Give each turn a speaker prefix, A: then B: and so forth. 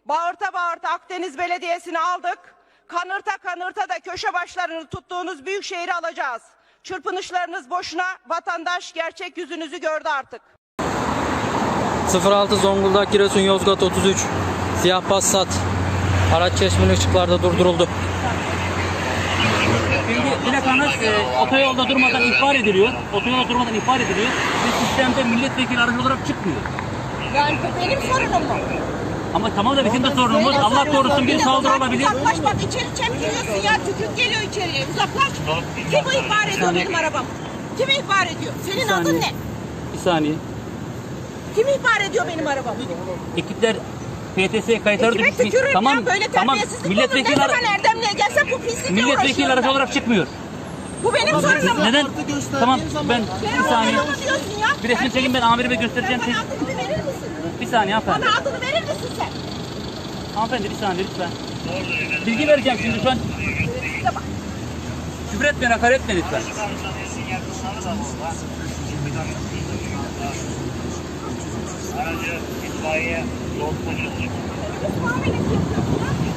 A: Bağırta bağırta Akdeniz Belediyesi'ni aldık. Kanırta kanırta da köşe başlarını tuttuğunuz büyük şehri alacağız. Çırpınışlarınız boşuna, vatandaş gerçek yüzünüzü gördü artık.
B: 06 Zonguldak Giresun Yozgat 33 siyah Passat araç çeşmeli ışıklarda durduruldu.
C: Şimdi plakanız otoyolda durmadan ihbar ediliyor. Otoyolda durmadan ihbar ediliyor. Ve sistemde milletvekili aracı olarak çıkmıyor.
A: Yani bu benim sorunum mu?
C: Ama tamam da bizim de sorunumuz. Allah korusun bir saldırı olabilir.
A: Uzaklaş bak, içeri çemkiriyorsun ya, tükürük geliyor içeriye, uzaklaş. Kim bu ihbar ediyor benim arabam? Kim ihbar ediyor? Senin adın ne?
C: Bir saniye.
A: Kim ihbar ediyor benim arabamı?
C: Ekipler PTS kayıtları
A: Kime
C: düşmüş.
A: tükürürüm
C: Tamam,
A: ya, böyle
C: tamam.
A: terbiyesizlik
C: Milletvekili
A: olur. Ne zaman Erdemli'ye gelsem bu pislikle
C: milletvekili
A: uğraşıyorum
C: aracı
A: ben.
C: olarak çıkmıyor.
A: Bu benim sorunum mu?
C: Neden? Tamam ben
A: Sen
C: bir saniye.
A: adını diyorsun ya.
C: Bir resmi çekin, ben amirime göstereceğim.
A: Sen bana adını bir verir misin?
C: Bir saniye hanımefendi.
A: Bana adını verir misin sen?
C: Hanımefendi bir saniye lütfen. Bilgi vereceğim şimdi şu an.
A: Size bak.
C: Küfür etmeyin, hakaret etmeyin lütfen.
D: Aracı itfaiye yol taşıtı.
A: Muamelesi yapıyorsun ya.